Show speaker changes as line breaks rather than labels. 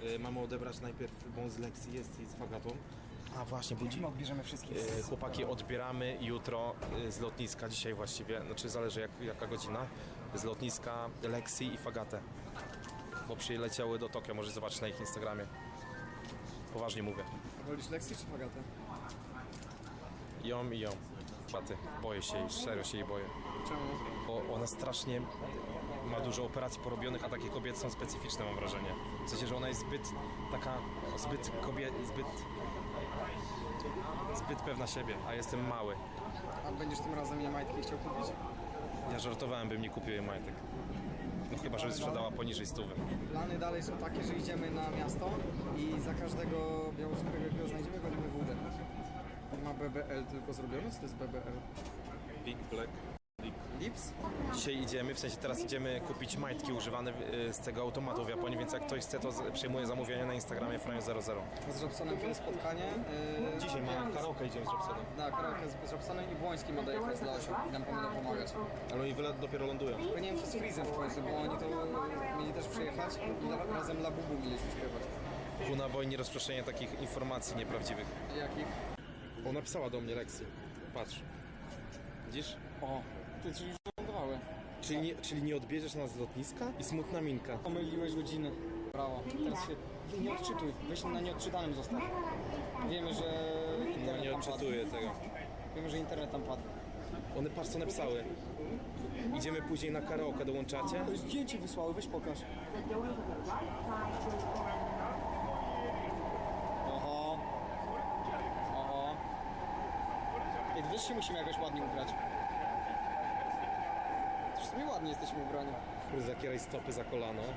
Mamy odebrać najpierw bądź z lekcji jest i z Fagatą. A właśnie, budzi.
My odbierzemy wszystkich.
Chłopaki odbieramy jutro z lotniska, dzisiaj właściwie, znaczy zależy jaka godzina, z lotniska Lexi i Fagatę. Bo przyleciały do Tokio, możesz zobaczyć na ich Instagramie. Poważnie mówię.
Wolisz Lexi czy Fagatę?
Ją i ją. Faty. Boję się jej, serio się jej boję.
Czemu?
Bo ona strasznie ma dużo operacji porobionych, a takie kobiety są specyficzne, mam wrażenie. W sensie, że ona jest zbyt taka, zbyt pewna siebie, a jestem mały.
A będziesz tym razem jej majtki chciał kupić?
Ja żartowałem, bym nie kupił jej majtek. No chyba, żeby sprzedała poniżej 100.
Plany dalej są takie, że idziemy na miasto i za każdego białoskórego, jakiego znajdziemy, golimy wódę. Ma BBL tylko zrobione? Co to jest BBL?
Big Black.
Lips?
Dzisiaj idziemy, w sensie teraz idziemy kupić majtki używane z tego automatu w Japonii, więc jak ktoś chce, to przyjmuje zamówienie na Instagramie Franio00.
Z Robsonem kiedy spotkanie.
Dzisiaj mamy karaoke, idziemy z Robsonem.
Na karaoke z Robsonem i Błoński ma dojechać dla Osiu i nam będą pomagać.
Ale oni dopiero lądują.
Tylko nie wiem, co z Freezem w końcu, bo oni to mieli też przyjechać i razem La Bubu mieliśmy śpiewać.
Kuna boi rozproszenie takich informacji nieprawdziwych.
Jakich?
Ona napisała do mnie Lexi. Patrz. Widzisz?
O, ty, czyli już wylądowały.
Czyli nie odbierzesz nas z lotniska? I smutna minka.
Pomyliłeś godziny. Brawo. Teraz się nie odczytuj. Weź na nieodczytanym zostaw. Wiemy, że
No
internet
nie
tam padł.
odczytuję tego.
Wiemy, że internet tam padł.
One patrz co napisały. Idziemy później na karaoke, dołączacie?
To zdjęcie wysłały, weź pokaż. Oho. Oho. Ej, wiesz, się musimy jakoś ładnie ubrać. W sumie ładnie jesteśmy ubrani.
Zakieraj stopy za kolano.